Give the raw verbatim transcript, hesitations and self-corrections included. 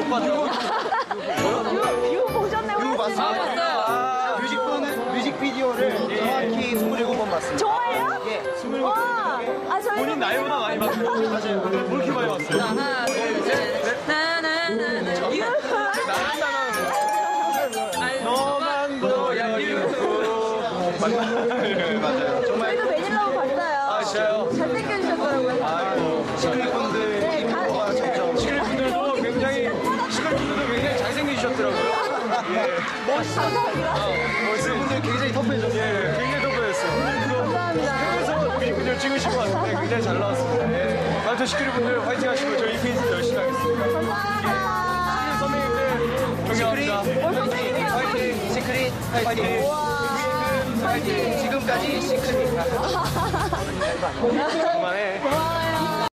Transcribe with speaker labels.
Speaker 1: 봤다고?
Speaker 2: 뷰 보셨네,
Speaker 3: 뷰 봤어요.
Speaker 2: 훨씬.
Speaker 3: 아, 뮤직비디오는, 뮤직비디오를 정확히 스물일곱 번 봤습니다.
Speaker 2: 정말요?
Speaker 3: 예, 스물일곱 번.
Speaker 2: 와, 아, 저희
Speaker 1: 본인 나이보다 많이 봤어요.
Speaker 3: 맞아요.
Speaker 1: 왜 이렇게 많이 봤어요?
Speaker 4: 하나, 둘, 셋. 나나나나.
Speaker 1: 너만 보여 유후.
Speaker 3: 맞아요. 정말
Speaker 2: 저희도 매닐라고 봤어요.
Speaker 1: 아, 진짜요?
Speaker 2: 잘생겨주셨더라고요.
Speaker 1: 아이고.
Speaker 3: 시크릿분들
Speaker 2: 네,
Speaker 3: 인구가
Speaker 2: 가-
Speaker 3: 점점
Speaker 1: 시크릿분들도 굉장히, 시크릿분들도 굉장히 잘생기셨더라고요. 예.
Speaker 2: 감사합니다.
Speaker 3: 시크릿분들 굉장히 터프해졌어요.
Speaker 1: 예, 굉장히 돋보였어요.
Speaker 2: 감사합니다.
Speaker 1: 그래서 뮤직비디오 찍으신 것 같은데 굉장히 잘 나왔습니다. 예. 아무튼 시크릿분들 화이팅 하시고 저희 이페이스 열심히 하겠습니다.
Speaker 2: 감사합니다.
Speaker 1: 선배님들 존경합니다.
Speaker 3: 파이팅! 파이팅! 시크릿 파이팅!
Speaker 2: 파이팅.
Speaker 3: 지금까지 시크릿.
Speaker 1: 그만해.
Speaker 2: 고마워요.